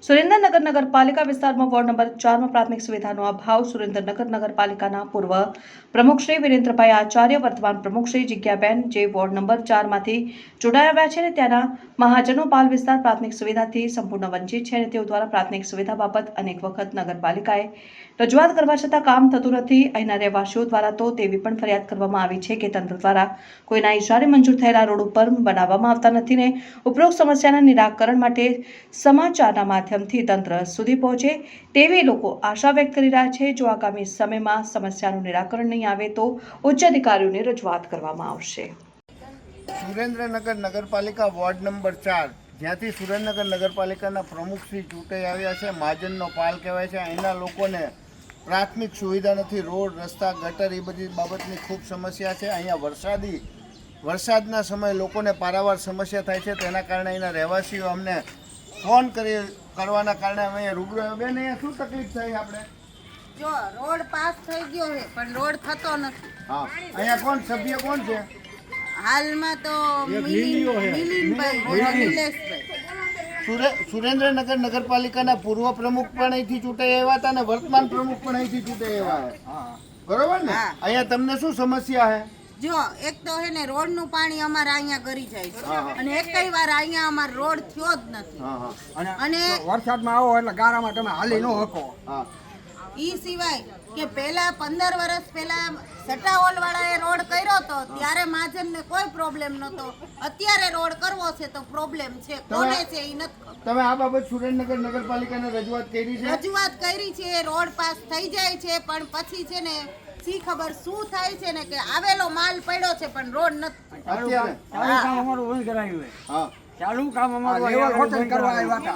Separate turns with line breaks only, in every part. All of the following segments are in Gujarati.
સુરેન્દ્રનગર નગરપાલિકા વિસ્તારમાં વોર્ડ નંબર 4 માં પ્રાથમિક સુવિધાનો અભાવ. સુરેન્દ્રનગર નગરપાલિકાના પૂર્વ પ્રમુખ શ્રી વિરેન્દ્રભાઈ આચાર્ય, વર્તમાન પ્રમુખ શ્રી જિજ્ઞાબેન, જે વોર્ડ નંબર 4 માંથી ચૂંટાઈ આવ્યા છે અને ત્યાંના મહાજનો પાલ વિસ્તાર પ્રાથમિક સુવિધાથી સંપૂર્ણ વંચિત છે અને તેઓ દ્વારા પ્રાથમિક સુવિધા બાબત અનેક વખત નગરપાલિકાએ રજૂઆત કરવા છતાં કામ થતું નથી. અહીંના રહેવાસીઓ દ્વારા તો તેવી પણ ફરિયાદ કરવામાં આવી છે કે તંત્ર દ્વારા કોઈના ઇશારે મંજૂર થયેલા રોડ ઉપર બનાવવામાં આવતા નથી ને ઉપરોક્ત સમસ્યાના નિરાકરણ માટે સમાચારના માધ્યમથી તંત્ર સુધી પહોંચે તેવી લોકો આશા વ્યક્ત કરી રહ્યા છે. જો આગામી સમયમાં સમસ્યાનું નિરાકરણ નહીં આવે તો ઉચ્ચ અધિકારીઓને રજૂઆત કરવામાં આવશે.
સુરેન્દ્રનગર નગરપાલિકા વોર્ડ નંબર 4, જ્યાંથી સુરેન્દ્રનગર નગરપાલિકાના પ્રમુખ શ્રી ચૂંટાઈ આવ્યા છે, મહાજનનો પાલ કહેવાય છે. અહીંના લોકોને પ્રાથમિક સુવિધા નથી, રોડ, રસ્તા, ગટર એ બધી બાબતની ખૂબ સમસ્યા છે. અહીંયા વરસાદના સમયે લોકોને પારાવાર સમસ્યા થાય છે. તેના કારણે અહીંના રહેવાસીઓ અમને ફોન કરવાના કારણે અમે અહીંયા રૂબરૂ આવ્યા. બેન, અહીંયા શું તકલીફ થઈ આપણે?
જો રોડ પાસ થઈ ગયો છે પણ રોડ થતો નથી.
હા, અહીંયા કોણ સભ્ય કોણ છે
હાલમાં? તો મિલિનભાઈ, નિલેશભાઈ.
સુરેન્દ્રનગર નગરપાલિકાના પૂર્વ પ્રમુખ પણ અહીંથી ચૂંટાઈ આવ્યા હતા અને વર્તમાન પ્રમુખ પણ અહીંથી ચૂંટાઈ આવ્યા. બરોબર ને? અહીંયા તમને શું સમસ્યા છે?
જો એક તો હે ને રોડ નું પાણી અમારે અહીંયા ગરી જાય છે અને એકઈ વાર અહીંયા અમાર રોડ થયો જ નથી. અને
વરસાદમાં આવો એટલે ગારામાં તમે હાલી ન શકો.
ઈ સિવાય કે પહેલા 15 વર્ષ પહેલા સટાઓલ વાળાએ રોડ કર્યો તો ત્યારે મહાજનને કોઈ પ્રોબ્લેમ નતો. અત્યારે રોડ કરવો છે તો પ્રોબ્લેમ છે. કોને છે ઈ નથી.
તમે આ બાબત સુરેન્દ્રનગર નગરપાલિકાને રજૂઆત કરી છે?
રજૂઆત કરી છે. રોડ પાસ થઈ જાય છે પણ પછી છે ને સી ખબર શું થાય છે ને કે આવેલો માલ પડ્યો છે પણ રોડ નથી.
અત્યારે
કામ અમારું બંધ કરાયું છે.
હા,
ચાલુ કામ અમારું કરવા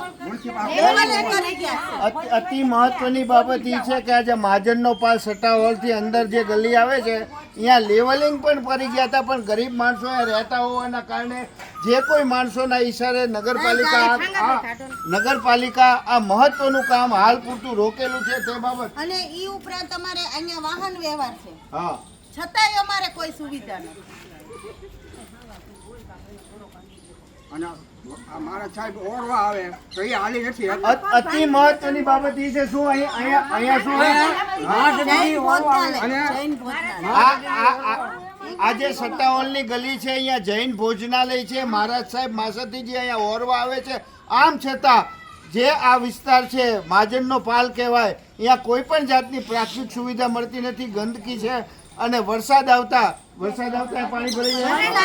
આવ્યા.
અતિ મહત્વની બાબત એ છે કે આજે મહાજનનો પાલ સટ્ટા હોલથી અંદર જે ગલી આવે છે અહીંયા લેવલિંગ પણ કરી ગયા હતા, પણ ગરીબ માણસો રહેતા હોવાના કારણે જે કોઈ માણસોના ઈશારે નગરપાલિકા આ મહત્વનું કામ હાલ પૂરતું રોકેલું છે તે બાબત.
અને ઈ ઉપરાંત અમારે અહીંયા વાહન વ્યવહાર છે,
હા,
છતાંય અમારે કોઈ સુવિધા નથી.
અને મારા સાહેબ ઓરવા આવે તો એ હાલી નથી.
અતિ મહત્વની બાબત એ છે શું અહીંયા શું
જૈન ભોજનાલય.
આ જે સટ્ટા હોલની ગલી છે અહીંયા જૈન ભોજનાલય છે. મહારાજ સાહેબ માસતીજી અહીંયા ઓરવા આવે છે. આમ છતાં જે આ વિસ્તાર છે મહાજનનો પાલ કહેવાય, અહીંયા કોઈ પણ જાતની પ્રાથમિક સુવિધા મળતી નથી. ગંદકી છે અને વરસાદ આવતા પાણી ભરી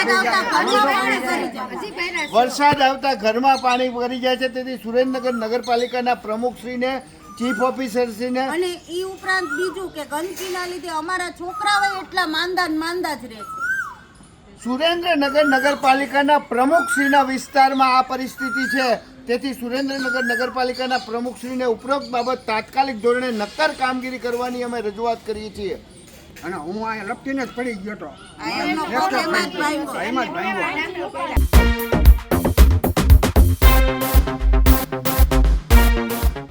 જાય. વરસાદ આવતા ઘરમાં પાણી ભરી જાય છે. તેથી સુરેન્દ્રનગર નગરપાલિકાના પ્રમુખશ્રીને, ચીફ ઓફિસરશ્રીને
અને ઈ ઉપરાંત બીજું કે ગંદકીના લીધે અમારા છોકરાઓ એટલા માંદા જ રહે છે.
સુરેન્દ્રનગર નગરપાલિકાના પ્રમુખશ્રીના વિસ્તારમાં આ પરિસ્થિતિ છે. તેથી સુરેન્દ્રનગર નગરપાલિકાના પ્રમુખશ્રીને ઉપરોક્ત બાબત તાત્કાલિક ધોરણે નક્કર કામગીરી કરવાની અમે રજૂઆત કરીએ છીએ.
અને હું અહીંયા લપટીને જ પડી ગયો હતો.
એમનો પગ એમાં જ ભાંગ્યો.
એમાં જ ભાંગ્યો.